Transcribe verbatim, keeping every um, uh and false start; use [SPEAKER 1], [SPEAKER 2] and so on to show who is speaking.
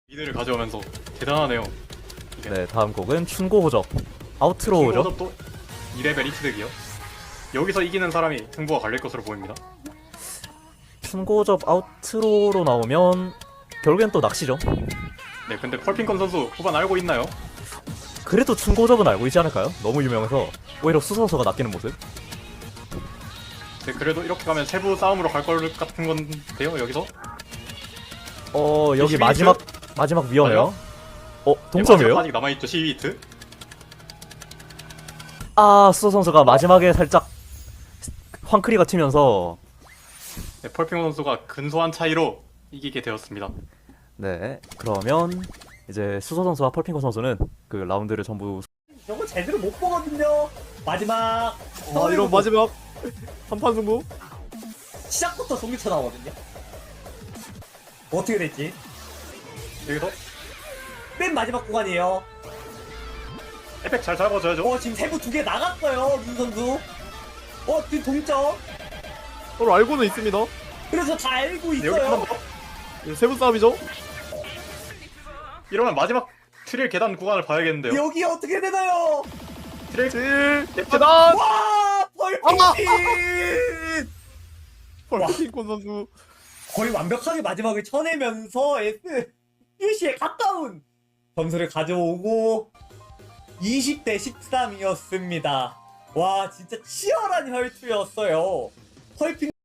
[SPEAKER 1] 리드를 가져오면서 대단하네요. 이게.
[SPEAKER 2] 네, 다음 곡은 춘고 호접 아우트로우죠.
[SPEAKER 1] 또 이 레벨 이치득이요. 여기서 이기는 사람이 승부가 갈릴 것으로 보입니다.
[SPEAKER 2] 춘고 호접 아우트로우로 나오면 결국엔 또 낚시죠.
[SPEAKER 1] 네, 근데 펄핑컨 선수 후반 알고 있나요?
[SPEAKER 2] 그래도 춘고 호접은 알고 있지 않을까요? 너무 유명해서 오히려 수 선수가 낚이는 모습.
[SPEAKER 1] 네, 그래도 이렇게 가면 세부 싸움으로 갈 것 같은 건데요, 여기서?
[SPEAKER 2] 어 여기
[SPEAKER 1] 십이
[SPEAKER 2] 마지막 마지막 위험해요. 어
[SPEAKER 1] 네,
[SPEAKER 2] 동점이에요?
[SPEAKER 1] 마지막 아직 남아있죠, 십이 히트?
[SPEAKER 2] 아 수서 선수가 마지막에 살짝 황크리가 튀면서
[SPEAKER 1] 네, 펄핑 선수가 근소한 차이로 이기게 되었습니다.
[SPEAKER 2] 네 그러면 이제 수서 선수와 펄핑거 선수는 그 라운드를 전부
[SPEAKER 3] 저거 제대로 못 보거든요. 마지막
[SPEAKER 4] 아 이런 마지막 한판 승부.
[SPEAKER 3] 시작부터 송기쳐 나오거든요. 어떻게 됐지?
[SPEAKER 1] 여기서
[SPEAKER 3] 맨 마지막 구간이에요.
[SPEAKER 1] 에펙 잘 잡아줘야죠.
[SPEAKER 3] 어 지금 세부 두 개 나갔어요 룬 선수. 어 지금 동점.
[SPEAKER 4] 서로 알고는 있습니다.
[SPEAKER 3] 그래서 다 알고
[SPEAKER 1] 네, 여기 한번
[SPEAKER 3] 있어요.
[SPEAKER 1] 더.
[SPEAKER 4] 이거 세부 싸움이죠.
[SPEAKER 1] 이러면 마지막 트릴 계단 구간을 봐야겠는데요.
[SPEAKER 3] 여기 어떻게 되나요?
[SPEAKER 1] 트릴
[SPEAKER 4] 질
[SPEAKER 1] 계단!
[SPEAKER 3] 와 펄핑
[SPEAKER 4] 펄핑콘 선수.
[SPEAKER 3] 거의 완벽하게 마지막을 쳐내면서 S 유시에 가까운 점수를 가져오고 이십 대 십삼이었습니다. 와 진짜 치열한 혈투였어요. 펄핑